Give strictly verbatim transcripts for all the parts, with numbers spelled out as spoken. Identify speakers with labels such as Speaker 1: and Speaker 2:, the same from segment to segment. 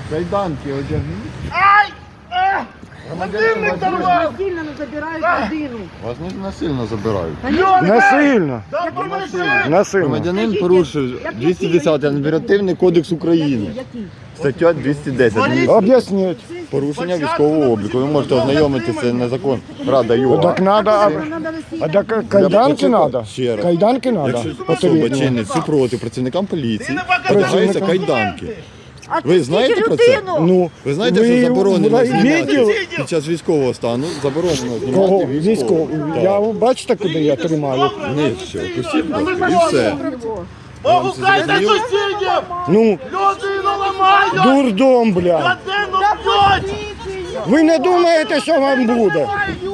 Speaker 1: Кайданки одягніть.
Speaker 2: Ай! Годинник дорвав!
Speaker 3: Насильно не забирають людину.
Speaker 1: Вас не насильно забирають.
Speaker 4: Насильно. Насильно.
Speaker 1: Громадянин порушив двісті десятий адміністративний кодекс України. Стаття двісті десять.
Speaker 4: Об'ясніть.
Speaker 1: Порушення військового обліку. Ви можете ознайомитися на закон Рада ЮА.
Speaker 4: Так надо, а, а так кайданки треба?
Speaker 1: Ще раз.
Speaker 4: Кайданки треба?
Speaker 1: Якщо особа чинить супротив працівникам поліції, одягаються кайданки. Ви знаєте про це?
Speaker 4: Ну,
Speaker 1: Ви знаєте, що заборонено знімати
Speaker 4: виділи?
Speaker 1: під час військового стану, заборонено
Speaker 4: Кого?
Speaker 1: знімати
Speaker 4: Військового.
Speaker 1: військового.
Speaker 4: Я бачите, куди я тримаю?
Speaker 1: Ні, все, пустіть, і все.
Speaker 2: Погукайте сусідів!
Speaker 4: Ну,
Speaker 2: Людину ламають!
Speaker 4: дурдом, бля.
Speaker 2: Людину б'ють!
Speaker 4: Ви не думаєте, що вам буде?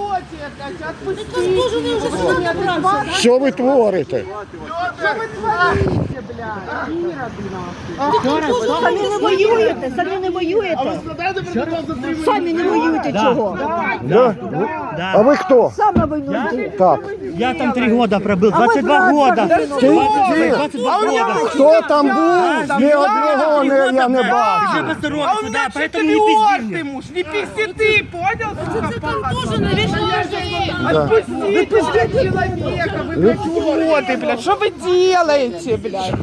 Speaker 4: Що ви творите?
Speaker 3: Самі не воюєте, самі не воюєте. Самі не воюєте чого.
Speaker 4: Да? А ви хто?
Speaker 3: Сам на війну йти.
Speaker 4: Так.
Speaker 5: Я там три года пробыл, двадцать два
Speaker 3: брат,
Speaker 5: года.
Speaker 3: брат,
Speaker 4: Ти, ти,
Speaker 5: двадцать два года.
Speaker 4: хто там був? Ні одного не, я не
Speaker 5: Уже
Speaker 4: бачив.
Speaker 5: посторонился, да, поэтому не пизди мне.
Speaker 2: муж, не пизди ты, понял?
Speaker 6: Тоже навешиваешь.
Speaker 2: Отпусти, пиздец человека, вы блядь уроды, блядь, что вы делаете, блядь?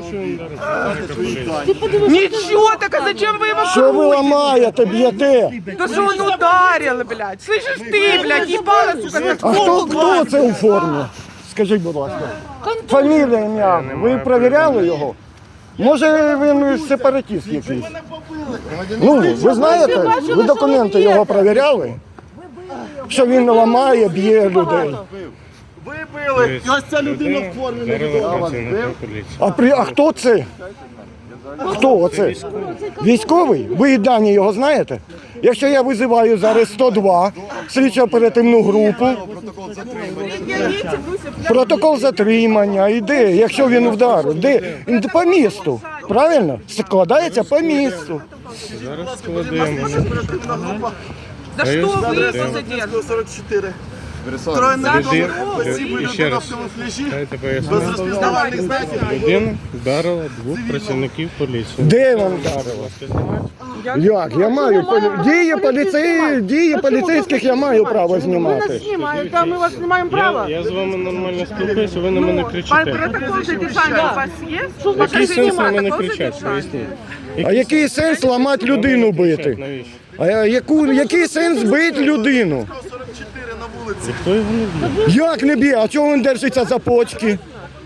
Speaker 2: Ничего, так а зачем вы его
Speaker 4: Що ви ламаєте, б'єте?
Speaker 2: Да что он ударил, блядь, слышишь ты, блядь, ебало, сука, как
Speaker 4: А хто, хто це у формі? Скажіть, будь ласка. Фамілія, ім'я. Ви перевіряли його? Може він сепаратист якийсь? Ну, ви знаєте, ви документи його перевіряли? Що він ламає, б'є людей.
Speaker 2: Вибили, ось ця людина в формі не відома.
Speaker 4: А, при, а хто це? Хто оце? Військовий? Ви і дані його знаєте? Якщо я визиваю зараз сто два, слідчо-оперативну групу, протокол затримання, і де? Якщо він вдарив, де? По місту, правильно? Складається по місту.
Speaker 7: Зараз складаємо.
Speaker 2: За що ви посадили?
Speaker 8: сорок чотири.
Speaker 7: Людина, і ще раз, дайте пояснити. Людина вдарила двох працівників поліції.
Speaker 4: Де він вдарив? Як? Я маю полі- дії поліцей... дії поліцейських я маю право знімати.
Speaker 2: Знімають, а ми вас не маємо права.
Speaker 7: Я, я з вами нормально спілкуюся, ви на мене кричите.
Speaker 2: Протокол задержання у вас є?
Speaker 7: Який сенс на мене кричати? Поясніть.
Speaker 4: А який сенс ламати людину бити?
Speaker 7: Навіщо?
Speaker 4: А яку, який сенс бити людину?
Speaker 7: Ніхто його не б'є.
Speaker 4: Як не б'є? А чого він держиться за почки?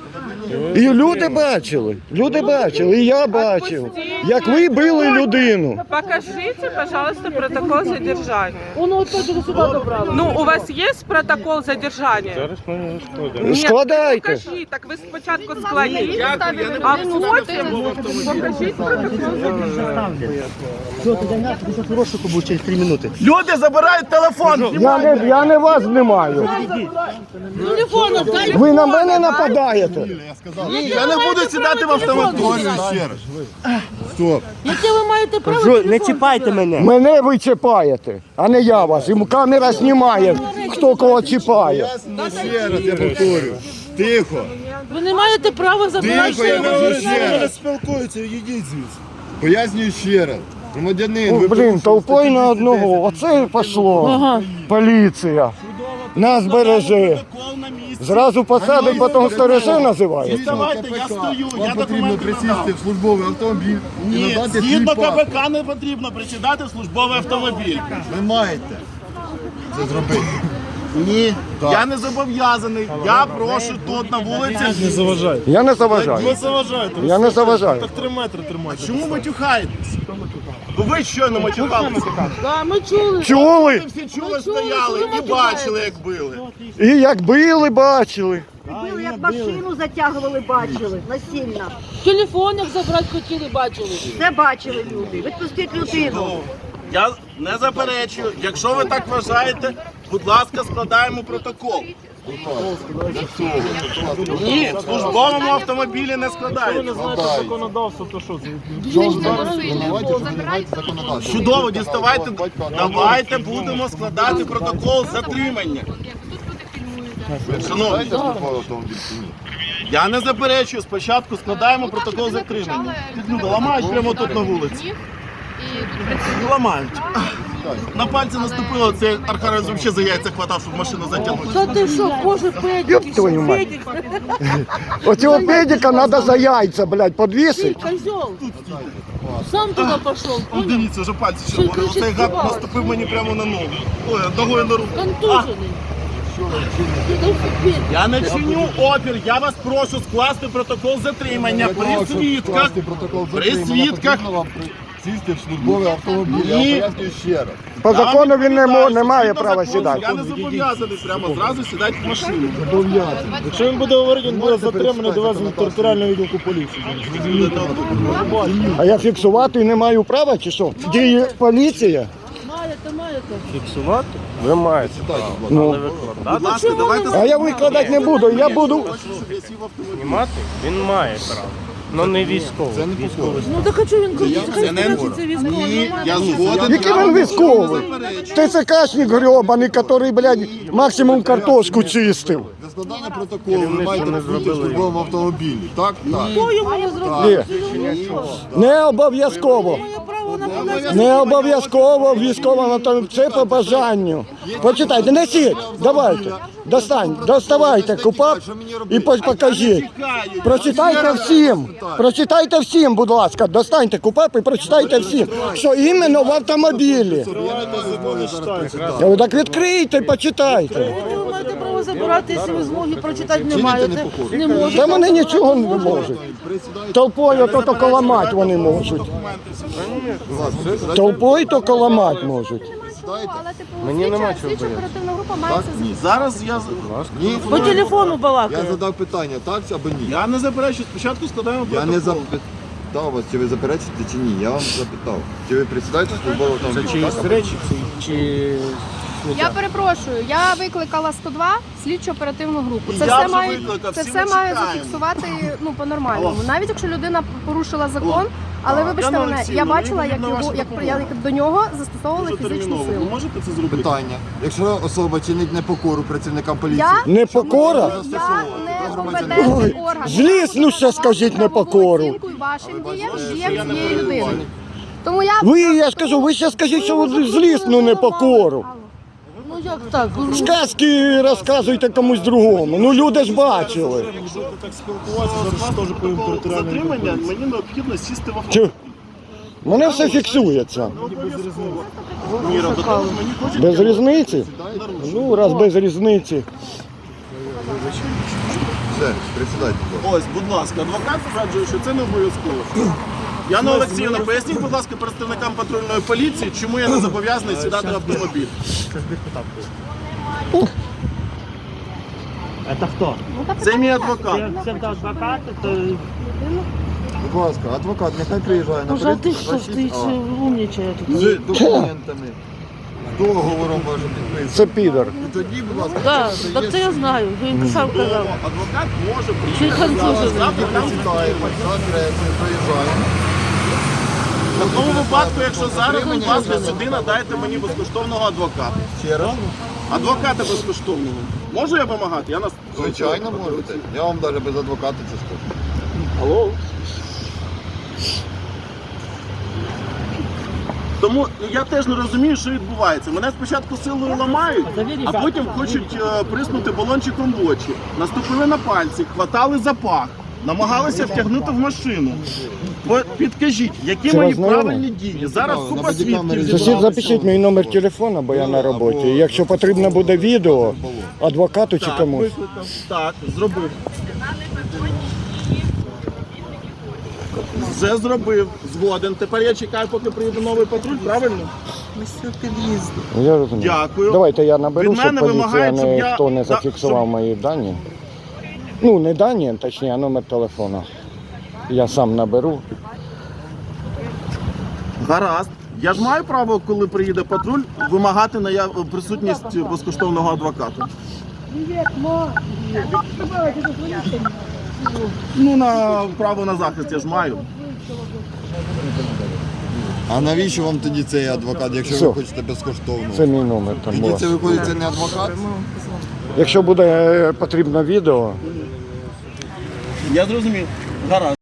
Speaker 4: І люди бачили, люди бачили, і я бачив, як ви били людину.
Speaker 9: Покажите, пожалуйста, протокол задержания.
Speaker 3: Он вот тоже сюда добрал.
Speaker 9: Ну, у вас есть протокол задержания?
Speaker 7: Зараз ми його складемо.
Speaker 9: Нет,
Speaker 4: Складайте.
Speaker 9: покажи. Так ви спочатку складіть, а потім покажіть протокол задержания.
Speaker 5: Все, ты дай нафиг, ты сейчас в розшуку будешь через три минуты.
Speaker 2: Люди забирають телефон.
Speaker 4: Я не, я не вас знімаю.
Speaker 6: Телефон отдали.
Speaker 4: Ви на мене нападаєте.
Speaker 2: Ні, я не буду сідати в автомобіль.
Speaker 1: Ще раз. Стоп.
Speaker 6: Яке ви маєте право?
Speaker 5: Кажу, не чіпайте мене.
Speaker 4: Мене ви чіпаєте, а не я вас. І камера знімає, хто кого чіпає.
Speaker 1: Ще раз я повторю. Тихо.
Speaker 6: Ви не маєте права забирати.
Speaker 1: Тихо, я кажу ще раз.
Speaker 8: Спілкуються, їдіть звідси.
Speaker 1: Пояснюю ще раз. Громадянин,
Speaker 4: О,
Speaker 1: ви
Speaker 4: блін, толпою на одного. Оце і пішло. Поліція. Нас береже. Зразу посадить, потім сторожа називають.
Speaker 8: Давайте, я стою, я
Speaker 1: Вам потрібно
Speaker 8: документи
Speaker 1: присісти в службовий автомобіль і
Speaker 8: Ні,
Speaker 1: надати свій
Speaker 8: згідно
Speaker 1: паспорт.
Speaker 8: КПК не потрібно присідати в службовий автомобіль.
Speaker 1: Ви маєте це зробити.
Speaker 8: Ні, я не зобов'язаний. Я прошу тут на вулиці.
Speaker 7: Не заважайте.
Speaker 4: Я не заважаю.
Speaker 8: Ви заважаєте.
Speaker 4: Я не заважаю.
Speaker 7: Так три метри тримайте.
Speaker 8: Чому ви тюхаєтесь? Бо ви щойно матюхалися.
Speaker 6: Да, ми чули.
Speaker 4: Чули?
Speaker 8: Ви всі чули, стояли і бачили, як били.
Speaker 4: І як били, бачили.
Speaker 3: Били, як машину затягували, бачили, насильно.
Speaker 6: Телефон як забрати хотіли, бачили.
Speaker 3: Все бачили люди. Відпустіть людину.
Speaker 8: Я не заперечую. Якщо ви так вважаєте, будь ласка, складаємо протокол. Ні, в службовому автомобілі не складається.
Speaker 7: Законодавство, то що?
Speaker 8: Чудово, діставайте. Давайте будемо складати протокол затримання. Шановні, я не заперечую. Спочатку складаємо протокол затримання. Тут люди ламають прямо тут на вулиці.
Speaker 6: І
Speaker 8: Ламають. На пальці наступило, цей Архарес взагалі за яйця хватав, щоб машину затягнути.
Speaker 6: Та ти що, боже, педик,
Speaker 4: Ёб твою мать.
Speaker 6: педик,
Speaker 4: Оцього педика треба за яйця, блядь,
Speaker 6: ты
Speaker 4: подвісити.
Speaker 6: козел. Сам туда пошел,
Speaker 8: Ну,
Speaker 6: понял?
Speaker 8: дивіться, вже пальці червоні.
Speaker 6: Що,
Speaker 8: Оцей
Speaker 6: кричить,
Speaker 8: гад
Speaker 6: співала?
Speaker 8: наступив мені прямо на ногу. Ой, ногою на руку.
Speaker 6: Контужений. Ти дав педик.
Speaker 8: Я не чиню опір, я вас прошу скласти протокол затримання при свідках. При свідках.
Speaker 1: Сісти в службовий автомобіль, я
Speaker 8: Ні.
Speaker 1: пояснюю ще раз.
Speaker 4: По закону він не, мо- не має
Speaker 8: Згідно
Speaker 4: права
Speaker 8: закону,
Speaker 4: сідати.
Speaker 8: Я не зобов'язаний прямо зразу сідати в машину.
Speaker 7: Якщо він буде говорити, він буде затриманий, довезений до територіального відділку поліції.
Speaker 4: А я фіксувати не маю права чи що? Діє поліція?
Speaker 6: Маєте, маєте.
Speaker 7: Фіксувати? Ви маєте.
Speaker 4: Ну,
Speaker 8: Будь ласка, давайте
Speaker 4: а я викладати не буду, я буду.
Speaker 7: Знімати? Він має право. Ну не військовий.
Speaker 1: Це не покора.
Speaker 6: Ну так хочу він крутить, хай
Speaker 8: Це не
Speaker 6: скажеться, це військово.
Speaker 8: Ні, я згоден.
Speaker 4: Який він військовий? ТЦКшник гребаний, який, блядь, максимум картошку чистив.
Speaker 1: Для складання протоколу ви маєте бути в службовому автомобілі. Так? Так.
Speaker 6: Хто йому не зробив?
Speaker 4: Ні. Не обов'язково.
Speaker 6: Має право на понесення.
Speaker 4: Не обов'язково військовому там це по бажанню. Почитайте, несіть, давайте, достань, доставайте купап і по- покажіть. Прочитайте всім, прочитайте всім, будь ласка, достаньте купап і прочитайте всім, що іменно в автомобілі. Ну, так відкрийте, почитайте.
Speaker 6: Ви маєте право забирати, якщо ви змоги прочитати не маєте. Не
Speaker 4: Та
Speaker 6: можете.
Speaker 4: вони нічого не можуть. Толпою то тільки ламати вони можуть. Толпою тільки ламати можуть.
Speaker 5: Мені нема чого боятися.
Speaker 9: Оперативна група має це
Speaker 8: Ні, зараз я...
Speaker 1: Ні,
Speaker 6: По телефону
Speaker 1: я
Speaker 6: балакає.
Speaker 1: задав питання, так або ні?
Speaker 8: Я не заперечую, спочатку складаємо
Speaker 1: Я
Speaker 8: протокол.
Speaker 1: не запитав вас, чи ви заперечите, чи ні. Я вам запитав. Чи ви присідаєте в службовий автомобіль? так, або ні?
Speaker 7: речі чи...
Speaker 9: Я перепрошую, я викликала сто два слідчо оперативну групу.
Speaker 8: І
Speaker 9: Це
Speaker 8: я
Speaker 9: все
Speaker 8: вже
Speaker 9: має
Speaker 8: викликав,
Speaker 9: це
Speaker 8: всі
Speaker 9: все
Speaker 8: ми
Speaker 9: має
Speaker 8: чекаємо.
Speaker 9: зафіксувати ну по нормальному. Навіть якщо людина порушила закон, але
Speaker 8: Так.
Speaker 9: вибачте
Speaker 8: Яна
Speaker 9: мене,
Speaker 8: Олексіївна,
Speaker 9: я бачила,
Speaker 8: мені
Speaker 9: як
Speaker 8: потрібна
Speaker 9: його
Speaker 8: ваша
Speaker 9: як
Speaker 8: допомога.
Speaker 9: як до нього застосовували фізичну
Speaker 8: Терміново.
Speaker 9: силу.
Speaker 8: Ви можете це зробити?
Speaker 1: Питання. Якщо особа чинить непокору працівникам поліції,
Speaker 9: Я
Speaker 4: Непокора?
Speaker 9: я не компетентний
Speaker 4: Ой,
Speaker 9: орган.
Speaker 4: злісно ще скажіть непокору.
Speaker 9: Оцінкую вашим діям і діям цієї людини. Тому я
Speaker 4: Ви, я ж кажу, ви ще скажіть, що ви злісну непокору.
Speaker 6: Ну як так?
Speaker 4: Сказки розказуйте комусь другому. Ну люди ж бачили.
Speaker 7: Якщо ти так спілкуватися, зараз теж повинен територіальний відділ
Speaker 8: Затримання,
Speaker 7: поліції.
Speaker 8: мені необхідно сісти в авто.
Speaker 4: Чи? Мене все фіксується.
Speaker 8: Міра, до того ж мені хочуть...
Speaker 4: Без різниці? Ну, раз без різниці.
Speaker 1: все, присідайте. будь ласка.
Speaker 8: Ось, будь ласка, адвокат стверджує, що це не обов'язково. Яна Олексіївна, поясніть, будь ласка, представникам патрульної поліції, чому я не зобов'язаний сідати в автомобіль.
Speaker 5: Це хто?
Speaker 8: Це мій адвокат.
Speaker 5: Це адвокат, то
Speaker 1: Будь ласка, адвокат, нехай приїжджає на
Speaker 6: Боже, а ти що ж ти
Speaker 1: працівник,
Speaker 6: ще умнічає тут?
Speaker 1: з документами, з договором вашим підписаним.
Speaker 4: Це підар.
Speaker 1: І тоді, будь ласка,
Speaker 6: Так, так це я знаю, він сам казав.
Speaker 8: Адвокат може
Speaker 6: Чи
Speaker 8: приїхати.
Speaker 6: конфузивний?
Speaker 8: Завтра там
Speaker 1: присідаємо, за адресою приїжджаємо.
Speaker 8: В такому випадку, якщо зараз, будь ласка, сюди надайте мені безкоштовного адвоката.
Speaker 1: Ще раз.
Speaker 8: Адвоката безкоштовного. Можу я вимагати? Я нас...
Speaker 1: Звичайно, можете. Я вам навіть без адвоката це скажу.
Speaker 8: Алло? Тому я теж не розумію, що відбувається. Мене спочатку силою ламають, а потім хочуть е, приснути балончиком в очі. Наступили на пальці, хватали за пах, намагалися втягнути в машину. По- Підкажіть, які
Speaker 4: Це
Speaker 8: мої
Speaker 4: вас знайоме?
Speaker 8: правильні дії? Зараз
Speaker 1: На
Speaker 8: купа
Speaker 1: бодікамері
Speaker 8: свідків
Speaker 4: Сусід,
Speaker 8: зібралися.
Speaker 4: запишіть мій номер телефону, бо я на роботі. Якщо потрібно буде відео, адвокату чи
Speaker 8: Так,
Speaker 4: комусь.
Speaker 8: викликав. Так, зробив. Вже зробив, згоден. Тепер я чекаю, поки приїде новий патруль, правильно?
Speaker 4: Я розумію.
Speaker 8: Дякую.
Speaker 4: Давайте я наберу,
Speaker 8: Від
Speaker 4: щоб
Speaker 8: мене
Speaker 4: поліція
Speaker 8: вимагають, щоб я-
Speaker 4: ніхто не
Speaker 8: Да,
Speaker 4: зафіксував
Speaker 8: щоб-
Speaker 4: мої дані. Ну, не дані, точніше, а номер телефона. Я сам наберу.
Speaker 8: Гаразд. Я ж маю право, коли приїде патруль, вимагати наяв... присутність безкоштовного адвоката. Ну, на право на захист я ж маю.
Speaker 1: А навіщо вам тоді цей адвокат, якщо
Speaker 4: Все.
Speaker 1: ви хочете безкоштовно?
Speaker 4: Це мій номер. Там
Speaker 1: Тоді
Speaker 4: була.
Speaker 1: це виходить, це не адвокат?
Speaker 4: Якщо буде е, потрібно відео,
Speaker 8: Я зрозумів. Гаразд.